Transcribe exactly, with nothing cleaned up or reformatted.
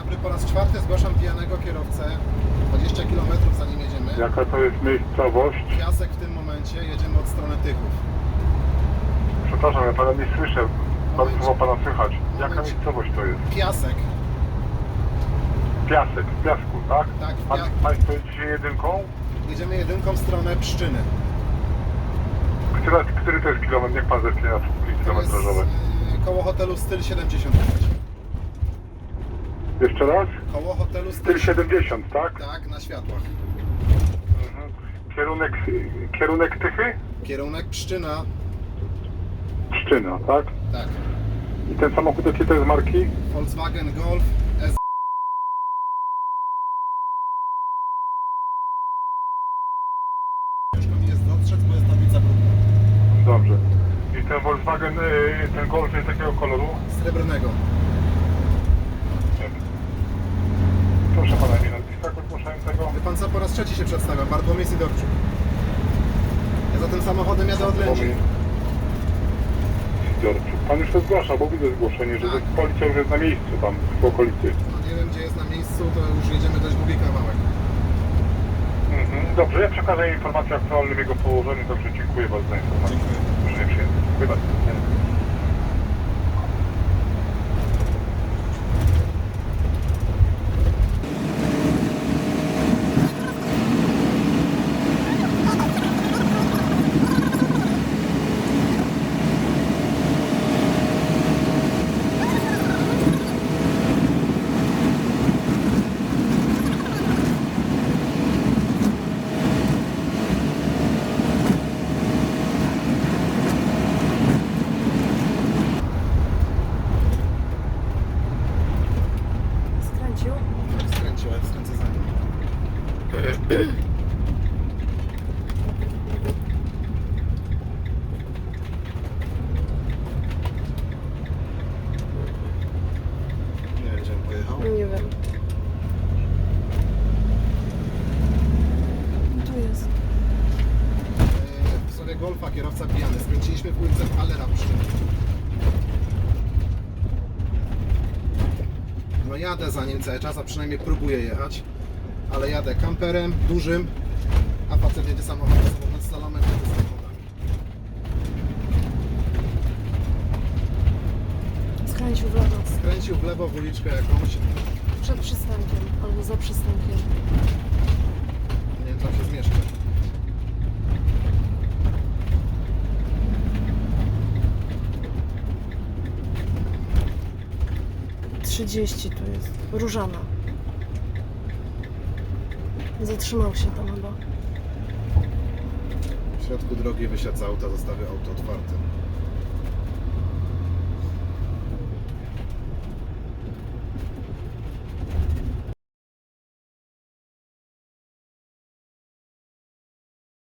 dobry, po raz czwarty zgłaszam pijanego kierowcę. dwadzieścia kilometrów zanim jedziemy. Jaka to jest miejscowość? Piasek w tym momencie, jedziemy od strony Tychów. Przepraszam, ja pana nie słyszę. Bardzo Momencie. słowo pana słychać. Jaka Momencie. miejscowość to jest? Piasek, Piasek, w piasku, tak? Tak, w Pan, pia- Państwo jedziecie jedynką? jedziemy jedynką w stronę Pszczyny. Który, który to jest kilometr? Niech pan zerknie na To jest kilometrażowe. yy, koło hotelu Styl siedemdziesiąt pięć. Jeszcze raz? Koło hotelu Styl Styl siedemdziesiąt, tak? Tak, na światłach. Mhm. Kierunek, kierunek Tychy? Kierunek Pszczyna. Pszczyna, tak? Tak. I ten samochód jakie to jest marki? Volkswagen Golf S. Ciężko mi jest dostrzec, bo jest tablica brudna. Dobrze. I ten Volkswagen, y, ten Golf jest jakiego koloru? Srebrnego. Proszę pana, nie nazwiska zgłaszającego. Wie pan co, po raz trzeci się przedstawiam. Bartłomiej Sidorczuk. Ja za tym samochodem jadę od Lędzi. Zbiorczy. Pan już to zgłasza, bo widzę zgłoszenie, że Tak. policja już jest na miejscu tam w okolicy. No nie wiem gdzie jest na miejscu, to już jedziemy dość długi kawałek. Mhm. Dobrze, ja przekażę informację o aktualnym jego położeniu, także dziękuję bardzo za informację. Dziękuję. Proszę nie przyjęty. Dziękuję bardzo. Skręcił? Skręcił, jak skręcę za nim. Nie wiem gdzie on pojechał. Nie wiem. Tu jest. Eee, W sobie Golfa kierowca pijany. Skręciliśmy w ulicę Allera Pszczyny. No jadę za nim cały czas, a przynajmniej próbuję jechać. Ale jadę kamperem, dużym, a facet jedzie samochodem, samochód z salomem, jedzie samochodami. Skręcił w lewo. Skręcił w lewo w uliczkę jakąś. Przed przystankiem. Albo za przystankiem. Nie wiem, tam się zmieszczę. trzydzieści tu jest. Różana. Zatrzymał się tam chyba. W środku drogi wysiadł z auta, zostawił auto otwarte.